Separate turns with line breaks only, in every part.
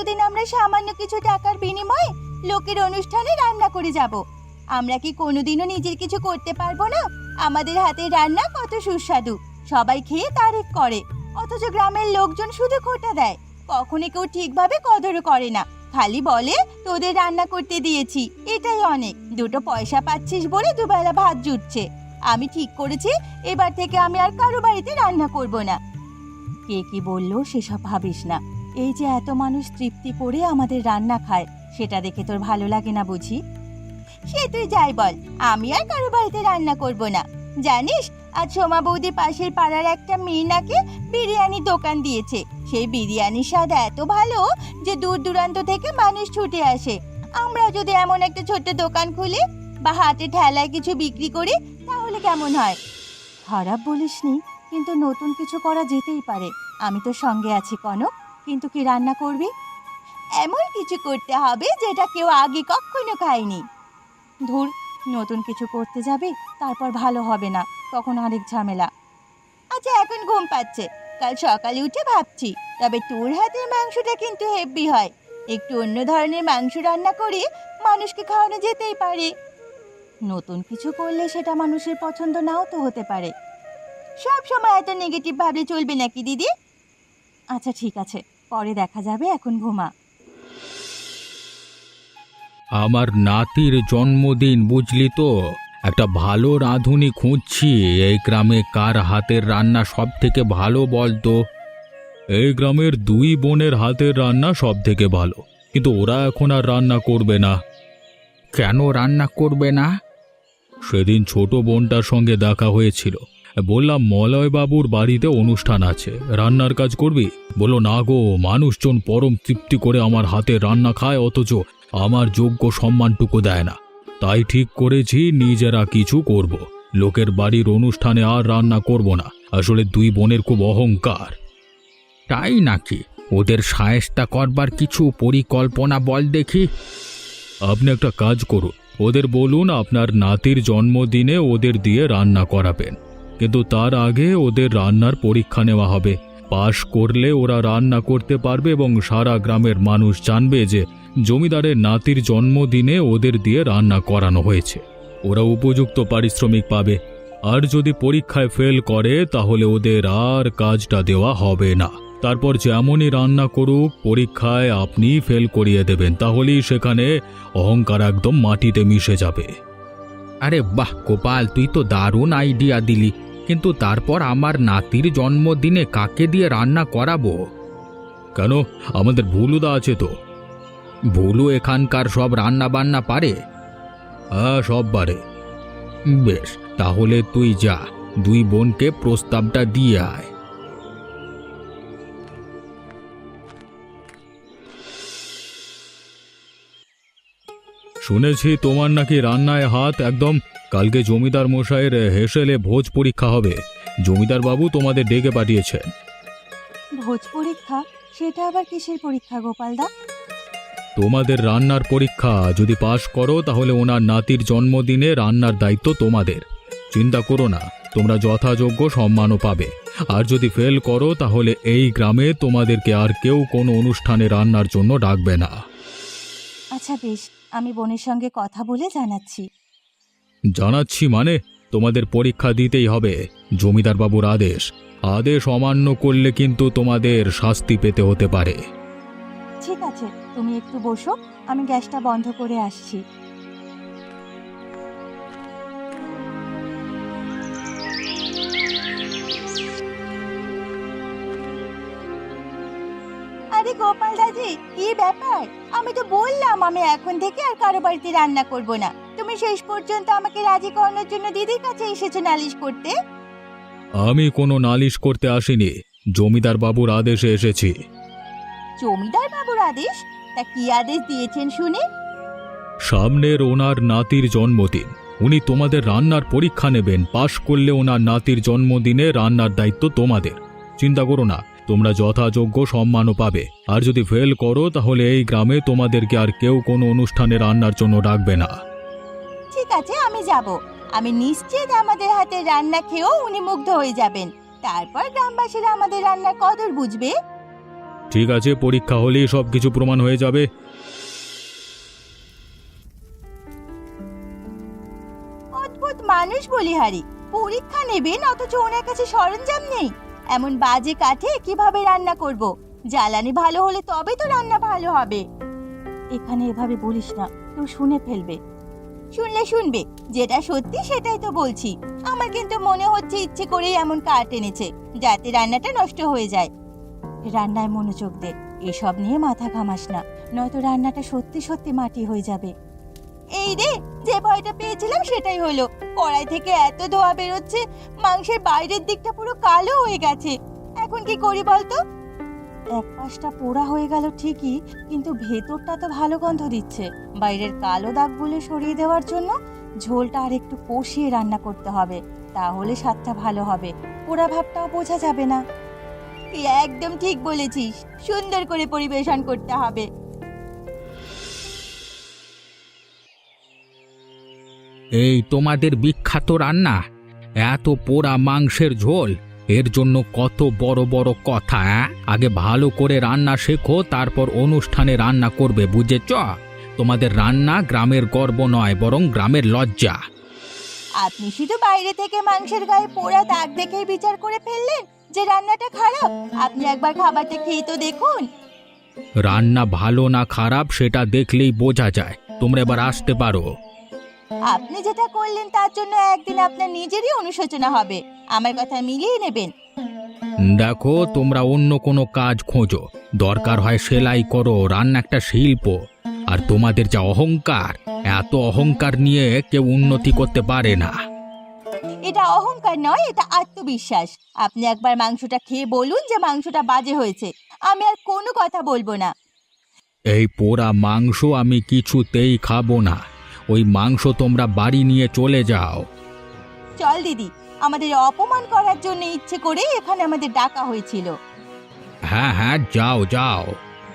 এতদিন আমরা সামান্য কিছু টাকার বিনিময়ে লোকের অনুষ্ঠানে রান্না করে যাব। আমরা কি কোনোদিনও নিজের কিছু করতে পারবো না? আমাদের হাতের রান্না কত সুস্বাদু, সবাই খেয়ে তারিফ করে, অথচ গ্রামের লোকজন শুধু খোঁটা দেয়। কখনো কেউ ঠিকভাবে কদরও করে না, খালি বলে তোদের রান্না করতে দিয়েছি, এটাই অনেক। দুটো পয়সা পাচ্ছিস বলে দুবেলা ভাত জুটছে। আমি ঠিক করেছি এবার থেকে আমি আর কারো বাড়িতে রান্না করব না। কে কি বললো সেসব ভাবিস না। এই যে এত মানুষ তৃপ্তি করে আমাদের রান্না খায়, সেটা দেখে তোর ভালো লাগে না বুঝি? সে তুই যাই বল, আমি আর কারো বাড়িতে রান্না করব না। জানিস, আজ সোমা বৌদি পাশের পাড়ার একটা মেয়ে নাকি বিরিয়ানি দোকান দিয়েছে। সেই বিরিয়ানির স্বাদ এত ভালো যে দূর দূরান্ত থেকে মানুষ ছুটে আসে। আমরা যদি এমন একটা ছোট্ট দোকান খুলি বা হাটে ঠেলায় কিছু বিক্রি করি, তাহলে কেমন হয়? খারাপ বলিসনি, কিন্তু নতুন কিছু করা যেতেই পারে। আমি তো সঙ্গে আছি কনক, কিন্তু কি রান্না করবি? এমন কিছু করতে হবে যেটা কেউ আগে কখনো খায়নি। ধুর, নতুন কিছু করতে যাবে তারপর ভালো হবে না, তখন আরেক ঝামেলা। আচ্ছা, এখন ঘুম পাচ্ছে, কাল সকালে উঠে ভাবছি। তবে তোর হাতের মাংসটা কিন্তু হেভি হয়। একটু অন্য ধরনের মাংস রান্না করে মানুষকে খাওয়ানো যেতেই পারে। নতুন কিছু করলে সেটা মানুষের পছন্দ নাও তো হতে পারে। সব সময় এত নেগেটিভ ভাবলে চলবে নাকি দিদি? আচ্ছা ঠিক আছে, পরে দেখা যাবে, এখন ঘুমা।
আমার নাতির জন্মদিন বুঝলি তো, একটা ভালো রাঁধুনি খুঁজছি। এই গ্রামে কার হাতের রান্না সব থেকে ভালো বলতো? এই গ্রামের দুই বোনের হাতের রান্না সব থেকে ভালো, কিন্তু ওরা এখন আর রান্না করবে না। কেন রান্না করবে না? সেদিন ছোট বোনটার সঙ্গে দেখা হয়েছিল, বললাম মলয়বাবুর বাড়িতে অনুষ্ঠান আছে, রান্নার কাজ করবি? বললো না গো, মানুষজন পরম তৃপ্তি করে আমার হাতে রান্না খায়, অথচ আমার যোগ্য সম্মানটুকু দেয় না। তাই ঠিক করেছি নিজেরা কিছু করব, লোকের বাড়ির অনুষ্ঠানে আর রান্না করব না। আসলে দুই বোনের খুব অহংকার। তাই নাকি? ওদের সায়স্তা করবার কিছু পরিকল্পনা বল দেখি। আপনি একটা কাজ করুন, ওদের বলুন আপনার নাতির জন্মদিনে ওদের দিয়ে রান্না করাবেন, কিন্তু তার আগে ওদের রান্নার পরীক্ষা নেওয়া হবে। পাশ করলে ওরা রান্না করতে পারবে এবং সারা গ্রামের মানুষ জানবে যে জমিদারের নাতির জন্মদিনে ওদের দিয়ে রান্না করানো হয়েছে। ওরা উপযুক্ত পারিশ্রমিক পাবে। আর যদি পরীক্ষায় ফেল করে তাহলে ওদের আর কাজটা দেওয়া হবে না। তারপর যেমনই রান্না করুক, পরীক্ষায় আপনি ফেল করিয়ে দেবেন, তাহলেই সেখানে অহংকার একদম মাটিতে মিশে যাবে। আরে বাহ গোপাল, তুই তো দারুণ আইডিয়া দিলি, কিন্তু তারপর আমার নাতির জন্মদিনে কাকে দিয়ে রান্না করাবো? কেন, আমাদের ভুলুদা আছে তো। ভুলু এখানকার সব রান্না বান্না পারে? হ্যাঁ, সব পারে। বেশ, তাহলে তুই যা, দুই বোনকে প্রস্তাবটা দিয়ে আয়। শুনেছি তোমার নাকি রান্নায় হাত একদম। কালকে জমিদার মশাইয়ের হেসেলে ভোজ পরীক্ষা হবে, জমিদার বাবু তোমাদের ডেকে পাঠিয়েছেন।
ভোজ পরীক্ষা? সেটা আবার কিসের পরীক্ষা গোপালদা?
তোমাদের রান্নার পরীক্ষা। যদি পাশ করো তাহলে ওনার নাতির জন্মদিনে রান্নার দায়িত্ব তোমাদের। চিন্তা করো না, তোমরা যথাযোগ্য সম্মানও পাবে। আর যদি ফেল করো তাহলে এই গ্রামে তোমাদেরকে আর কেউ কোনো অনুষ্ঠানে রান্নার জন্য ডাকবে না।
আচ্ছা বেশ, আমি বোনের সঙ্গে কথা বলে জানাচ্ছি।
জানাচ্ছি মানে? তোমাদের পরীক্ষা দিতেই হবে, জমিদার বাবুর আদেশ। আদেশ অমান্য করলে কিন্তু তোমাদের শাস্তি পেতে হতে পারে।
ঠিক আছে, তুমি একটু বসো, আমি গ্যাসটা বন্ধ করে আসছি। আরে গোপাল দাদি, কি ব্যাপার? আমি তো বললাম আমি এখন থেকে আর কারো বাড়িতে রান্না করব না। তুমি শেষ পর্যন্ত আমাকে রাজি করানোর জন্য দিদির কাছে এসেছো নালিশ করতে।
আমি কোনো নালিশ করতে আসিনি, জমিদার বাবুর আদেশে এসেছি।
জমিদার বাবুর আদেশ? তা কি আদেশ দিয়েছেন শুনে?
সামনের ওনার নাতির জন্মদিন, উনি তোমাদের রান্নার পরীক্ষা নেবেন। পাশ করলে ওনার নাতির জন্মদিনে রান্নার দায়িত্ব তোমাদের। চিন্তা করো না, তোমরা যথাযোগ্য সম্মানও পাবে। আর যদি ফেল করো তাহলে এই গ্রামে তোমাদেরকে আর কেউ কোনো অনুষ্ঠানে রান্নার জন্য ডাকবে না।
ঠিক আছে, আমি যাব। আমি নিশ্চিত আমাদের হাতে রান্না খেয়েও উনি মুগ্ধ হয়ে যাবেন। তারপর গ্রামবাসীরা আমাদের রান্নার কদর বুঝবে।
ঠিক আছে, পরীক্ষা হলেই সব কিছু প্রমাণ হয়ে যাবে।
অদ্ভুত মানুষ বলিহারি, পরীক্ষা নেবেন অথচ ওনার কাছে সরঞ্জাম নেই। এমন বাজে কাঠে কিভাবে রান্না করব? জ্বালানি ভালো হলে তবে তো রান্না ভালো হবে। এখানে এভাবে বলিস না, কেউ শুনে ফেলবে। শুনলে শুনবে, যেটা সত্যি সেটাই তো বলছি। আমার কিন্তু মনে হচ্ছে ইচ্ছে করেই এমন কাঠ এনেছে যাতে রান্নাটা নষ্ট হয়ে যায়। রান্নায় মনোযোগ দে, এসব নিয়ে মাথা ঘামাস না, নয়তো রান্নাটা সত্যি সত্যি মাটি হয়ে যাবে। এই রে, যে ভয়টা পেয়েছিলাম সেটাই হলো। কড়াই থেকে এত ধোঁয়া বেরোচ্ছে, মাংসের বাইরের দিকটা পুরো কালো হয়ে গেছে। এখন কি করি বলতো? এক পাশটা পোড়া হয়ে গেল ঠিকই, কিন্তু ভেতরটা তো ভালো গন্ধ দিচ্ছে। বাইরের কালো দাগগুলো সরিয়ে দেওয়ার জন্য ঝোলটা আর একটু কষিয়ে রান্না করতে হবে, তাহলে স্বাদটা ভালো হবে, পোড়া ভাবটাও বোঝা যাবে না। তুই একদম ঠিক বলেছিস, সুন্দর করে পরিবেশন করতে হবে।
এই তোমাদের বিখ্যাত রান্না, এত পোড়া মাংসের ঝোল, এর জন্য কত বড় বড় কথা। আগে ভালো করে রান্না শেখো, তারপর অনুষ্ঠানে রান্না করবে, বুঝেছ? তোমাদের রান্না গ্রামের গর্ব নয়, বরং গ্রামের লজ্জা।
আপনি শুধু বাইরে থেকে মাংসের গায়ে পোড়া দাগ দেখেই বিচার করে ফেললেন যে রান্নাটা খারাপ। আপনি একবার খাবারটা খেয়ে তো দেখুন।
রান্না ভালো না খারাপ সেটা দেখলেই বোঝা যায়। তোমরা এবার আসতে পারো।
আপনি যেটা করলেন তার জন্য একদিন আপনার নিজেরই অনুশোচনা হবে। আমার কথা মিলিয়ে নেবেন।
দেখো, তোমরা অন্য কোনো কাজ খোঁজো, দরকার হয় সেলাই করো, রান্না একটা শিল্প। আর তোমাদের যা অহংকার, এত অহংকার নিয়ে কেউ উন্নতি করতে পারে না।
এটা অহংকার নয়, এটা আত্মবিশ্বাস। আপনি একবার মাংসটা খেয়ে বলুন যে মাংসটা বাজে হয়েছে, আমি আর কোনো কথা বলবো না।
এই পোড়া মাংস আমি কিছুতেই খাবো না। ওই মাংস তোমরা বাড়ি নিয়ে চলে যাও।
চল দিদি, আমাদের অপমান করার জন্য ইচ্ছে করে এখানে আমাদের ডাকা হয়েছিল।
হ্যাঁ হ্যাঁ, যাও যাও।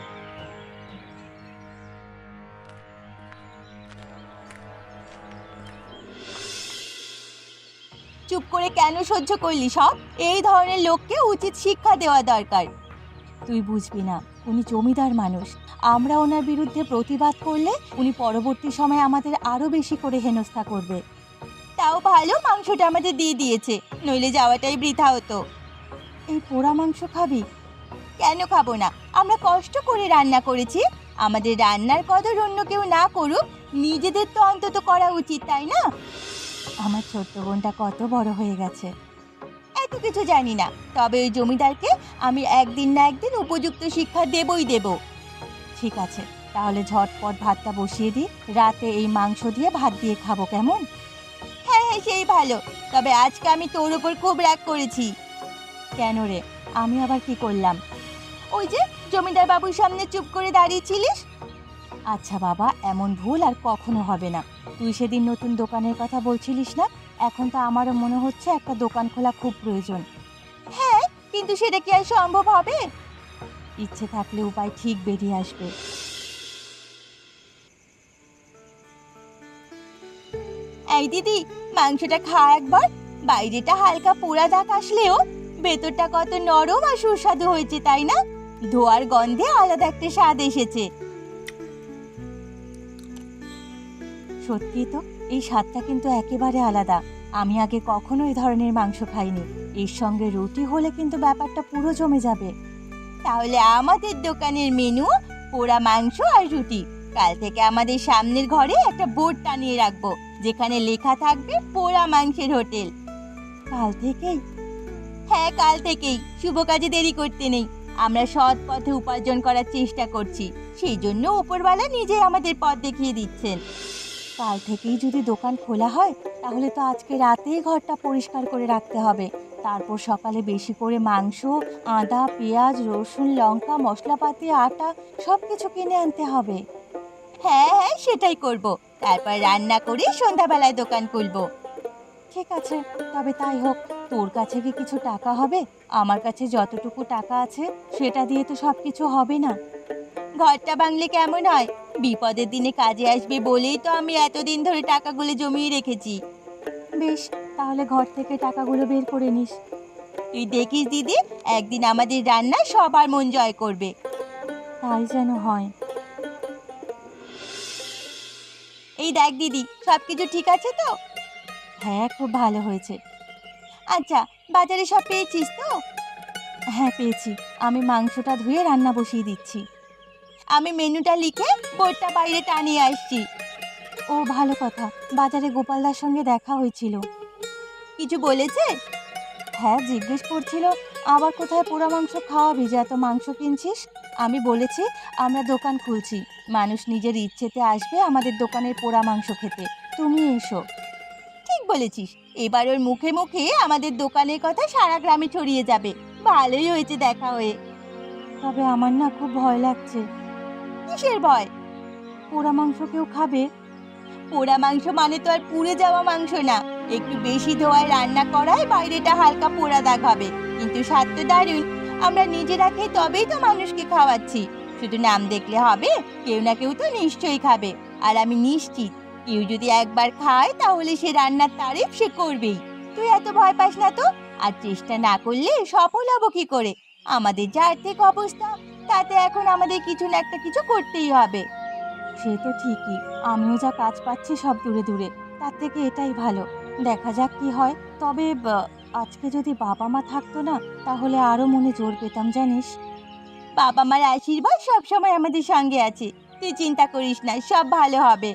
চুপ করে কেন সহ্য করলি সব? এই ধরনের লোককে উচিত শিক্ষা দেওয়া দরকার। তুই বুঝবি না, উনি জমিদার মানুষ। আমরা ওনার বিরুদ্ধে প্রতিবাদ করলে উনি পরবর্তী সময় আমাদের আরো বেশি করে হেনস্থা করবে। তাও ভালো মাংসটা আমাদের দিয়ে দিয়েছে, নইলে যাওয়াটাই বৃথা হতো। এই পোড়া মাংস খাবি? কেন খাবো না? আমরা কষ্ট করে রান্না করেছি। আমাদের রান্নার কদর অন্য কেউ না করুক, নিজেদের তো অন্তত করা উচিত, তাই না? আমার ছোট্ট বোনটা কত বড় হয়ে গেছে। এত কিছু জানি না, তবে ওই জমিদারকে আমি একদিন না একদিন উপযুক্ত শিক্ষা দেবই দেব। ঠিক আছে, তাহলে ঝটপট ভাতটা বসিয়ে দিই, রাতে এই মাংস দিয়ে ভাত দিয়ে খাবো, কেমন? হ্যাঁ হ্যাঁ, সেই ভালো। তবে আজকে আমি তোর উপর খুব রাগ করেছি। কেন রে? আমি আবার কি করলাম? ওই যে জমিদার বাবুর সামনে চুপ করে দাঁড়িয়েছিলিস। আচ্ছা বাবা, এমন ভুল আর কখনো হবে না। তুই সেদিন নতুন দোকানের কথা বলছিলিস না? এখন তো আমারও মনে হচ্ছে একটা দোকান খোলা খুব প্রয়োজন। হ্যাঁ, কিন্তু সেটা কি আর সম্ভব হবে? ইচ্ছে থাকলে উপায় ঠিক বেরিয়ে আসবে। এই দিদি, মাংসটা খা একবার। বাইরেটা হালকা পোড়া দাগ আসলেও ভেতরটা কত নরম আর সুস্বাদু হয়েছে, তাই না? ধোয়ার গন্ধে আলাদা একটা স্বাদ এসেছে। সত্যি তো, এই স্বাদটা কিন্তু একেবারে আলাদা। আমি আগে কখনো এই ধরনের মাংস খাইনি। এর সঙ্গে রুটি হলে কিন্তু ব্যাপারটা পুরো জমে যাবে। তাহলে আমাদের দোকানের মেনু পোড়া মাংস আর রুটি। কাল থেকে আমাদের সামনের ঘরে একটা বোর্ড টানিয়ে রাখবো, যেখানে লেখা থাকবে পোড়া মাংসের হোটেল। কাল থেকেই? হ্যাঁ, কাল থেকেই। শুভ কাজে দেরি করতে নেই। আমরা সৎ পথে উপার্জন করার চেষ্টা করছি, সেই জন্য উপরওয়ালা নিজেই আমাদের পথ দেখিয়ে দিচ্ছেন। কাল থেকেই যদি দোকান খোলা হয়, তাহলে তো আজকে রাতেই ঘরটা পরিষ্কার করে রাখতে হবে। তারপর সকালে বেশি করে মাংস, আদা, পেঁয়াজ, রসুন, লঙ্কা, মশলাপাতি, আটা সব কিছু কিনে আনতে হবে। হ্যাঁ হ্যাঁ, সেটাই করব। তারপর রান্না করে সন্ধ্যাবেলায় দোকান খুলবো। ঠিক আছে, তবে তাই হোক। তোর কাছে কি কিছু টাকা হবে? আমার কাছে যতটুকু টাকা আছে সেটা দিয়ে তো সব কিছু হবে না। ঘরটা ভাঙলে কেমন হয়? বিপদের দিনে কাজে আসবে বলেই তো আমি এতদিন ধরে টাকাগুলো জমিয়ে রেখেছি। বেশ, তাহলে ঘর থেকে টাকাগুলো বের করে নিস। তুই দেখিস দিদি, একদিন আমাদের রান্না সবার মন জয় করবে। তাই যেন হয়। এই দেখ দিদি, সব কিছু ঠিক আছে তো? হ্যাঁ, খুব ভালো হয়েছে। আচ্ছা, বাজারে সব পেয়েছিস তো? হ্যাঁ, পেয়েছি। আমি মাংসটা ধুয়ে রান্না বসিয়ে দিচ্ছি। আমি মেনুটা লিখে বোর্ডটা বাইরে টানিয়ে আসছি। ও ভালো কথা। বাজারে গোপালদার সঙ্গে দেখা হয়েছিল। কিছু বলেছে? হ্যাঁ, জিজ্ঞেস করছিল আবার কোথায় পোড়া মাংস খাওয়াবি যে এত মাংস কিনছিস। আমি বলেছি আমরা দোকান খুলছি, মানুষ নিজের ইচ্ছেতে আসবে আমাদের দোকানের পোড়া মাংস খেতে, তুমি এসো। ঠিক বলেছিস, এবার ওর মুখে মুখে আমাদের দোকানের কথা সারা গ্রামে ছড়িয়ে যাবে। ভালোই হয়েছে দেখা হয়ে। তবে আমার না খুব ভয় লাগছে। কিসের ভয়? পোড়া মাংস কেউ খাবে? পোড়া মাংস মানে তো আর পুড়ে যাওয়া মাংস না। একটু বেশি ধোয়ায় রান্না করায় বাইরেটা হালকা পোড়া দাগ হবে, কিন্তু স্বাদ তো দারুণ। আমরা নিজেরা খেয়ে তবেই তো মানুষকে খাওয়াচ্ছি। শুধু নাম দেখলে হবে, কেউ না কেউ তো নিশ্চয়ই খাবে। আর আমি নিশ্চিত কেউ যদি একবার খায় তাহলে সে রান্নার তারিফ সে করবেই। তুই এত ভয় পাস না তো। আর চেষ্টা না করলে সফল হব কি করে? আমাদের যা আর্থিক অবস্থা, তাতে এখন আমাদের কিছু না একটা কিছু করতেই হবে। সে তো ঠিকই, আমিও যা কাজ পাচ্ছি সব দূরে দূরে, তার থেকে এটাই ভালো। দেখা যাক কি হয়। তবে আজকে যদি বাবা মা থাকতো না, তাহলে আরো মনে জোর পেতাম জানিস। বাবা মার আশীর্বাদ সবসময় আমাদের সঙ্গে আছে, তুই চিন্তা করিস না, সব ভালো হবে।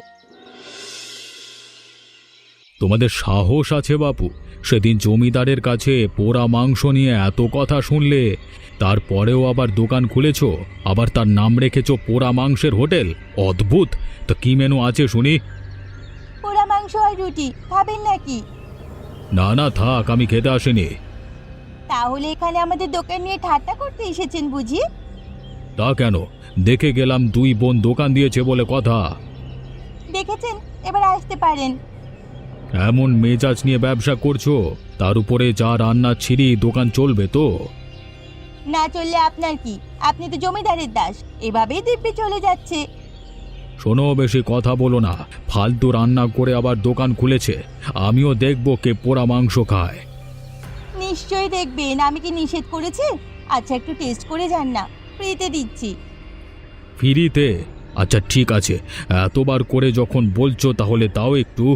তোমাদের সাহস আছে বাপু, সেদিন জমিদারের কাছে পোড়া মাংস নিয়ে এত কথা শুনলে, তারপরেও আবার দোকান খুলেছো, আবার তার নাম রেখেছো পোড়া মাংসের হোটেল। অদ্ভুত। তো কি মেনু আছে শুনি?
পোড়া মাংস আর রুটি, খাবেন নাকি?
না না থাক, আমি খেতে আসিনি।
তাহলে এখানে আমাদের দোকান নিয়ে ঠাট্টা করতে এসেছেন বুঝি?
তা কেন? দেখে গেলাম দুই বোন দোকান দিয়েছে বলে কথা।
দেখেছেন, এবার আসতে পারেন।
এমন মেজাজ নিয়ে ব্যবসা করছো, তার উপরে যা রান্না ছিঁড়ি, দোকান চলবে তো?
না চললে আপনার কি? আপনি তো জমিদারের দাস, এভাবেই দিব্যি চলে যাচ্ছে।
শোনো, বেশি কথা বলো না। ফালতু রান্না করে আবার দোকান খুলেছে, আমিও দেখব কে পোড়া মাংস খায়।
নিশ্চয়ই দেখবেন, আমি কি নিষেধ করেছি? আচ্ছা, একটু টেস্ট করে যান না, ফ্রিতে দিচ্ছি।
ফ্রিতে? আচ্ছা ঠিক আছে, এতবার করে যখন বলছো তাহলে তাও একটু।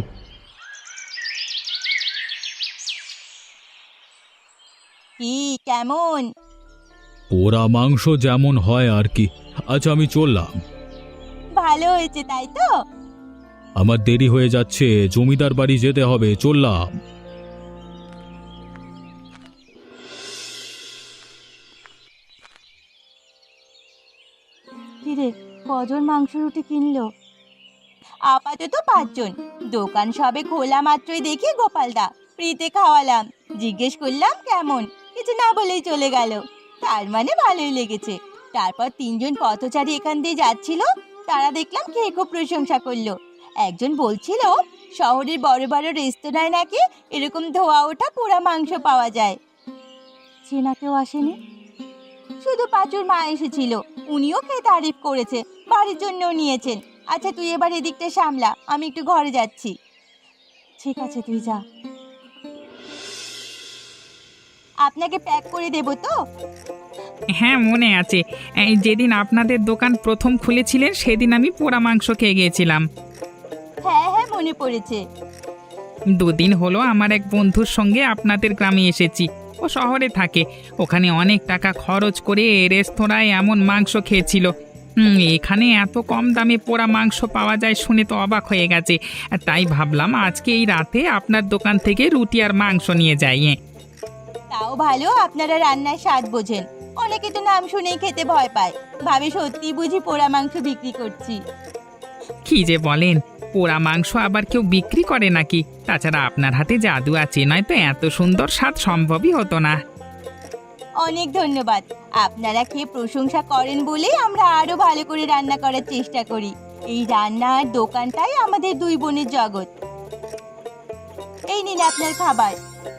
কি কেমন?
পোড়া মাংস যেমন হয় আর কি। আচ্ছা আমি চললাম।
ভালো হয়েছে তাই তো?
আমার দেরি হয়ে যাচ্ছে, জমিদার বাড়ি যেতে হবে, চললাম।
কিরে, কজন মাংস রুটি কিনলো? আপাতত 5 জন। দোকান সবে খোলা মাত্রই দেখি গোপালদা, ফ্রিতে খাওয়ালাম। জিজ্ঞেস করলাম কেমন, কিছু না বলেই চলে গেল। তার মানে ভালোই লেগেছে। তারপর 3 জন পথচারী এখান দিয়ে যাচ্ছিল, তারা দেখলাম খেয়ে খুব প্রশংসা করলো। একজন বলছিল শহরের বড় বড় রেস্তোরাঁয় নাকি এরকম ধোয়া ওঠা পোড়া মাংস পাওয়া যায়। চেনা কেউ আসেনি? শুধু পাঁচুর মা এসেছিল, উনিও খেয়ে তারিফ করেছে, বাড়ির জন্যও নিয়েছেন। আচ্ছা তুই এবার এদিকটা সামলা, আমি একটু ঘরে যাচ্ছি। ঠিক আছে, তুই যা। আপনাকে প্যাক করে দেব তো?
হ্যাঁ মনে আছে, এই যেদিন আপনাদের দোকান প্রথম খুলেছিলেন সেদিন আমি পোড়া মাংস খেয়ে গিয়েছিলাম।
হ্যাঁ হ্যাঁ, মনে পড়েছে।
দুদিন হলো আমার এক বন্ধুর সঙ্গে আপনাদের গ্রামে এসেছি। ও শহরে থাকে, ওখানে অনেক টাকা খরচ করে রেস্তোরাঁয় এমন মাংস খেয়েছিল। এখানে এত কম দামে পোড়া মাংস পাওয়া যায় শুনে তো অবাক হয়ে গেছে। তাই ভাবলাম আজকে এই রাতে আপনার দোকান থেকে রুটি আর মাংস নিয়ে যাই।
তাও ভালো, আপনারা রান্নার স্বাদ বোঝেন। অনেকে তো নাম শুনেই খেতে ভয় পায়, ভাবে সত্যি বুঝি পোড়া মাংস বিক্রি করছি।
কি যে বলেন, পোড়া মাংস আবার কেউ বিক্রি করে নাকি? তাছাড়া আপনার হাতে জাদু আছে, নয়তো এত সুন্দর স্বাদ সম্ভবই হতো না।
অনেক ধন্যবাদ। আপনারা খেয়ে প্রশংসা করেন বলেই আমরা আরো ভালো করে রান্না করার চেষ্টা করি। এই রান্নার দোকানটাই আমাদের দুই বোনের জগৎ। এই নিন আপনার খাবার।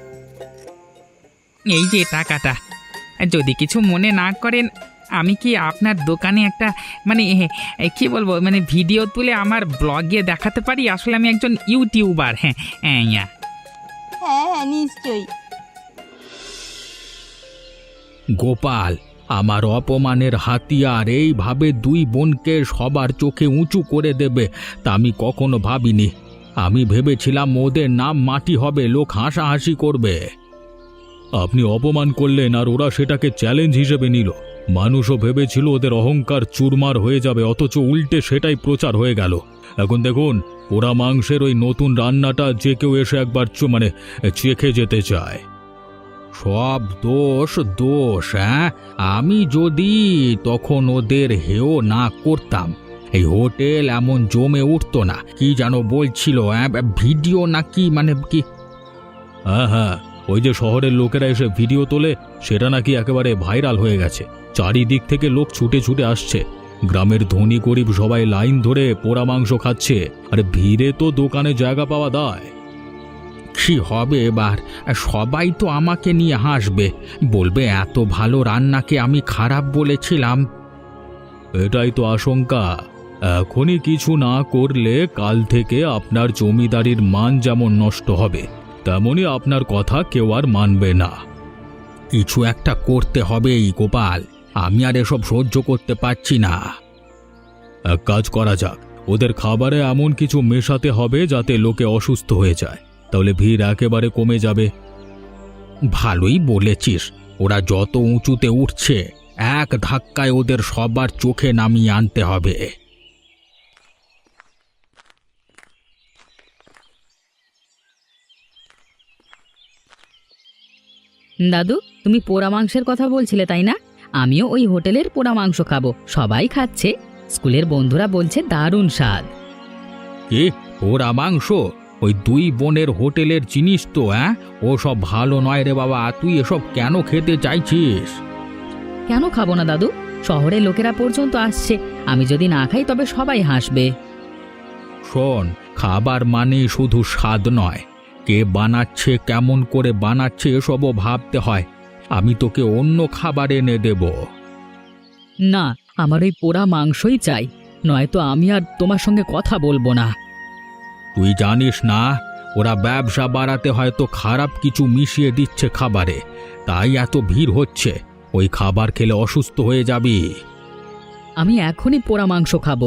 এই যে টাকাটা, যদি কিছু মনে না করেন, আমি কি আপনার দোকানে একটা মানে কি বলবো, মানে ভিডিও তুলে আমার ব্লগে দেখাতে পারি? আসলে আমি একজন ইউটিউবার। হ্যাঁ হ্যাঁ
হ্যাঁ হ্যাঁ, নিশ্চয়ই।
গোপাল, আমার অপমানের হাতিয়ার এইভাবে দুই বোনকে সবার চোখে উঁচু করে দেবে তা আমি কখনো ভাবিনি। আমি ভেবেছিলাম ওদের নাম মাটি হবে, লোক হাসাহাসি করবে। আপনি অপমান করলেন আর ওরা সেটাকে চ্যালেঞ্জ হিসেবে নিল। মানুষও ভেবেছিল ওদের অহংকার চুরমার হয়ে যাবে, অথচ উল্টে সেটাই প্রচার হয়ে গেল। এখন দেখুন, পোড়া মাংসের ওই নতুন রান্নাটা যে কেউ এসে একবার চেখে যেতে চায়। সব দোষ দোষ, হ্যাঁ? আমি যদি তখন ওদের হেও না করতাম, এই হোটেল এমন জমে উঠতো না। কি যেন বলছিল, ভিডিও নাকি মানে কি? হ্যাঁ হ্যাঁ, ওই যে শহরের লোকেরা এসে ভিডিও তোলে, সেটা নাকি একেবারে ভাইরাল হয়ে গেছে। চারিদিক থেকে লোক ছুটে ছুটে আসছে। গ্রামের ধনী গরিব সবাই লাইন ধরে পোড়া মাংস খাচ্ছে। আরে ভিড়ে তো দোকানে জায়গা পাওয়া দায়। কি হবে এবার? সবাই তো আমাকে নিয়ে হাসবে, বলবে এত ভালো রান্নাকে আমি খারাপ বলেছিলাম। এটাই তো আশঙ্কা। এখনই কিছু না করলে কাল থেকে আপনার জমিদারির মান যেমন নষ্ট হবে, তেমনি আপনার কথা কেউ আর মানবে না। কিছু একটা করতে হবেই গোপাল, আমি আর এসব সহ্য করতে পারছি না। এক কাজ করা যাক, ওদের খাবারে এমন কিছু মেশাতে হবে যাতে লোকে অসুস্থ হয়ে যায়, তাহলে ভিড় একেবারে কমে যাবে। ভালোই বলেছিস, ওরা যত উঁচুতে উঠছে এক ধাক্কায় ওদের সবার চোখে নামিয়ে আনতে হবে।
দাদু, তুমি পোড়া মাংসের কথা বলছিলে তাই না? আমিও ওই হোটেলের পোড়া মাংস খাবো, সবাই খাচ্ছে। স্কুলের বন্ধুরা বলছে দারুণ স্বাদ।
কি পোড়া মাংস? ওই দুই বোনের হোটেলের জিনিস তো, ও সব ভালো নয় রে বাবা। তুই এসব কেন খেতে চাইছিস?
কেন খাবো না দাদু? শহরের লোকেরা পর্যন্ত আসছে, আমি যদি না খাই তবে সবাই হাসবে।
শোন, খাবার মানে শুধু স্বাদ নয়, কে বানাচ্ছে, কেমন করে বানাচ্ছে এসবও ভাবতে হয়। আমি তোকে অন্য খাবার এনে দেব।
না, আমার ওই পোড়া মাংসই চাই, নয়তো আমি আর তোমার সঙ্গে কথা বলবো না।
তুই জানিস না, ওরা ব্যবসা বাড়াতে হয়তো খারাপ কিছু মিশিয়ে দিচ্ছে খাবারে, তাই এত ভিড় হচ্ছে। ওই খাবার খেলে অসুস্থ হয়ে যাবি।
আমি এখনই পোড়া মাংস খাবো।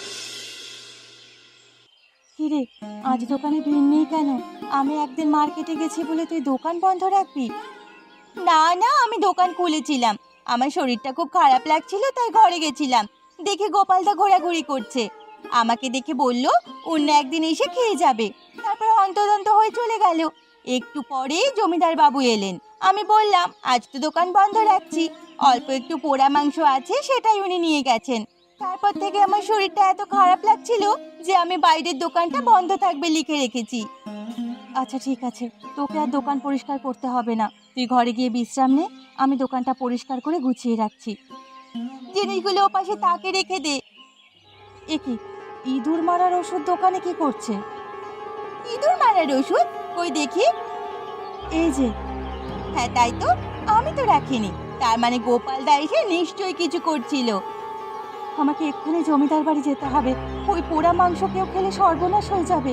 কিরে, আজ দোকানে ভিড় নেই কেন? আমি একদিন মার্কেটে গেছি বলে তুই দোকান বন্ধ রাখবি? না না, আমি দোকান খুলেছিলাম। আমার শরীরটা খুব খারাপ লাগছিল, তাই ঘরে গেছিলাম। দেখে গোপালদা ঘোরাঘুরি করছে, আমাকে দেখে বলল অন্য একদিন এসে খেয়ে যাবে। তারপর হন্তদন্ত হয়ে চলে গেল। একটু পরেই জমিদার বাবু এলেন। আমি বললাম আজ তো দোকান বন্ধ রাখছি, অল্প একটু পোড়া মাংস আছে, সেটাই উনি নিয়ে গেছেন। তারপর থেকে আমার শরীরটা এত খারাপ লাগছিল যে আমি বাইরের দোকানটা বন্ধ থাকবে লিখে রেখেছি। আচ্ছা ঠিক আছে, তোকে আর দোকান পরিষ্কার করতে হবে না। তুই ঘরে গিয়ে বিশ্রাম নে, আমি দোকানটা পরিষ্কার করে গুছিয়ে রাখছি। জিনিসগুলো ওপাশে তাকে রেখে দে। এ কি, ইঁদুর মারার ওষুধ দোকানে কি করছে? ইঁদুর মারার ওষুধ? কই দেখি। এই যে। হ্যাঁ তাই তো, আমি তো রাখিনি। তার মানে গোপালদা এসে নিশ্চয়ই কিছু করছিল। আমাকে এক্ষুনি জমিদার বাড়ি যেতে হবে, ওই পোড়া মাংস কেউ খেলে সর্বনাশ হয়ে যাবে।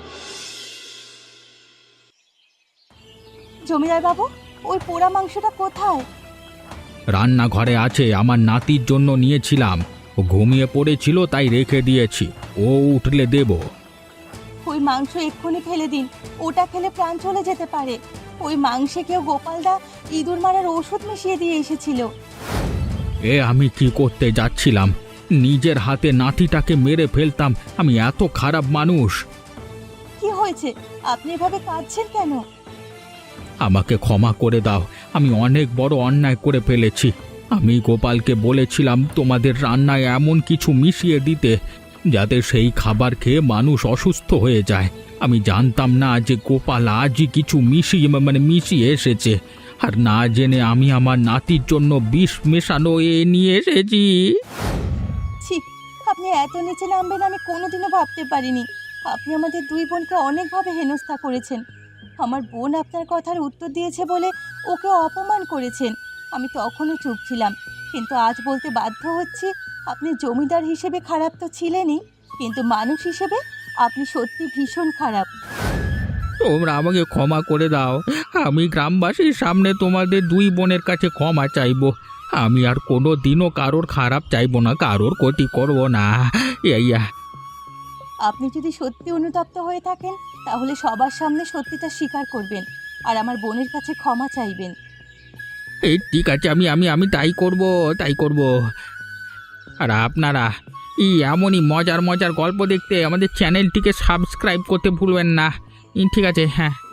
জমিদার বাবু, ওই পোড়া মাংসটা কোথায়?
রান্নাঘরে আছে, আমার নাতির জন্য নিয়েছিলাম। ও ঘুমিয়ে পড়েছিল তাই রেখে দিয়েছি, ও উঠলে দেব।
ওই মাংস এক্ষুনি ফেলে দিন, ওটা খেলে প্রাণ চলে যেতে পারে। ওই মাংসে কেউ গোপালদা ইঁদুর মারার ওষুধ মিশিয়ে দিয়ে এসেছিল।
আমি কি করতে যাচ্ছিলাম? নিজের হাতে নাতিটাকে মেরে ফেলতাম। আমি এত খারাপ মানুষ?
কি হয়েছে, আপনি এভাবে কাঁদছেন কেন?
আমাকে ক্ষমা করে দাও, আমি অনেক বড় অন্যায় করে ফেলেছি। আমি গোপালকে বলেছিলাম তোমাদের রান্নায় এমন কিছু মিশিয়ে দিতে যাতে সেই খাবার খেয়ে মানুষ অসুস্থ হয়ে যায়। আমি জানতাম না যে গোপাল আজই কিছু মিশিয়ে এসেছে, আর না জেনে আমি আমার নাতির জন্য বিষ মেশানো নিয়ে এসেছি।
ছি, আপনি এত নিচে নামবেন আমি কোনোদিনও ভাবতে পারিনি। আপনি আমাদের দুই বোনকে অনেকভাবে হেনস্থা করেছেন। আমার বোন আপনার কথার উত্তর দিয়েছে বলে ওকে অপমান করেছেন। আমি তখনও চুপ ছিলাম, কিন্তু আজ বলতে বাধ্য হচ্ছি, আপনি জমিদার হিসেবে খারাপ তো ছিলেনই, কিন্তু মানুষ হিসেবে আপনি সত্যি ভীষণ খারাপ।
তোমরা আমাকে ক্ষমা করে দাও। আমি গ্রামবাসীর সামনে তোমাদের দুই বোনের কাছে ক্ষমা চাইব। আমি আর কোনো দিনও কারোর খারাপ চাইবো না, কারোর ক্ষতি করবো না। ইয়া
আপনি যদি সত্যি অনুতপ্ত হয়ে থাকেন তাহলে সবার সামনে সত্যিটা স্বীকার করবেন আর আমার বোনের কাছে ক্ষমা চাইবেন।
এই ঠিক আছে, আমি আমি আমি তাই করব, তাই করব। আর আপনারা এই এমনই মজার মজার গল্প দেখতে আমাদের চ্যানেলটিকে সাবস্ক্রাইব করতে ভুলবেন না। ঠিক আছে, হ্যাঁ।